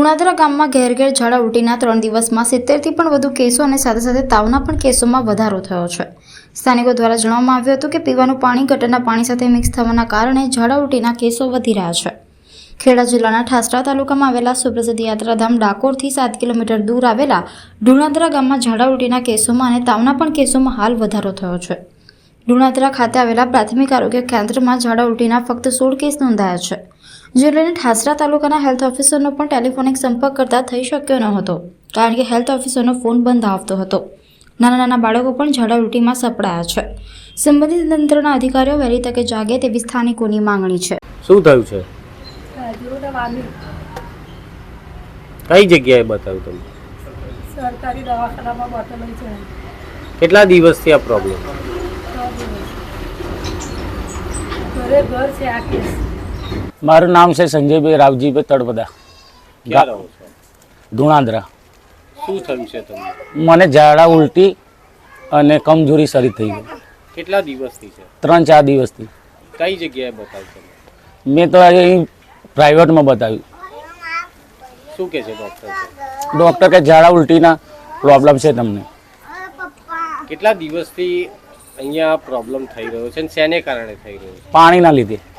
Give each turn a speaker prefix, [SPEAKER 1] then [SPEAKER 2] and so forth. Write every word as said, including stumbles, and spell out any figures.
[SPEAKER 1] ધુણાધરા ગામમાં ઘેર ઘેર ઝાડા ઉલટીના ત્રણ દિવસમાં સિત્તેરથી પણ વધુ કેસો અને સાથે સાથે તાવના પણ કેસોમાં વધારો થયો છે. સ્થાનિકો દ્વારા જણાવવામાં આવ્યું હતું કે પીવાનું પાણી ગટરના પાણી સાથે મિક્સ થવાના કારણે ઝાડા ઉલટીના કેસો વધી રહ્યા છે. ખેડા જિલ્લાના ઠાસરા તાલુકામાં આવેલા સુપ્રસિદ્ધ યાત્રાધામ ડાકોરથી સાત કિલોમીટર દૂર આવેલા ધુણાધરા ગામમાં ઝાડા ઉલટીના કેસોમાં અને તાવના પણ કેસોમાં હાલ વધારો થયો છે. ધુણાધરા ખાતે આવેલા પ્રાથમિક આરોગ્ય કેન્દ્રમાં ઝાડા ઉલટીના ફક્ત સોળ કેસ નોંધાયા છે, જે લઈને ઠાસરા તાલુકાના હેલ્થ ઓફિસરનો પણ ટેલિફોનિક સંપર્ક કરતા થઈ શક્યો ન હતો, કારણ કે હેલ્થ ઓફિસરનો ફોન બંધ આવતો હતો. નાના નાના બાળકો પણ ઝાડા ઉલટીમાં સપડાયા છે. સંબંધિત તંત્રના અધિકારીઓ વહેલી તકે જાગે તેવી સ્થાનિકોની માંગણી છે.
[SPEAKER 2] શું થયું છે? કઈ જગ્યાએ બતાવ્યું તમે?
[SPEAKER 3] સરકારી દવાખાનામાં બતાવેલું છે.
[SPEAKER 2] કેટલા દિવસથી આ પ્રોબ્લેમ?
[SPEAKER 3] ઘરે ઘર છે આ કેસ.
[SPEAKER 4] મારું નામ છે સંજયભાઈ રાવજીભાઈ તળપદા,
[SPEAKER 2] ક્યાં રહો છો?
[SPEAKER 4] ધુણાધરા.
[SPEAKER 2] શું થયું છે તમને?
[SPEAKER 4] મને ઝાડા ઉલટી અને કમજોરી શરીર થઈ ગઈ.
[SPEAKER 2] કેટલા દિવસથી છે?
[SPEAKER 4] ત્રણ ચાર દિવસથી.
[SPEAKER 2] કઈ જગ્યાએ બતાવ્યું તમે?
[SPEAKER 4] મેં તો અહીં પ્રાઇવેટમાં બતાવ્યું.
[SPEAKER 2] શું કહે છે ડૉક્ટર?
[SPEAKER 4] ડૉક્ટર કે ઝાડા ઉલટીના પ્રોબ્લેમ છે તમને.
[SPEAKER 2] કેટલા દિવસથી અહીંયા પ્રોબ્લેમ થઈ રહ્યો છે અને શેને કારણે થઈ રહ્યો છે?
[SPEAKER 4] પાણીના લીધે.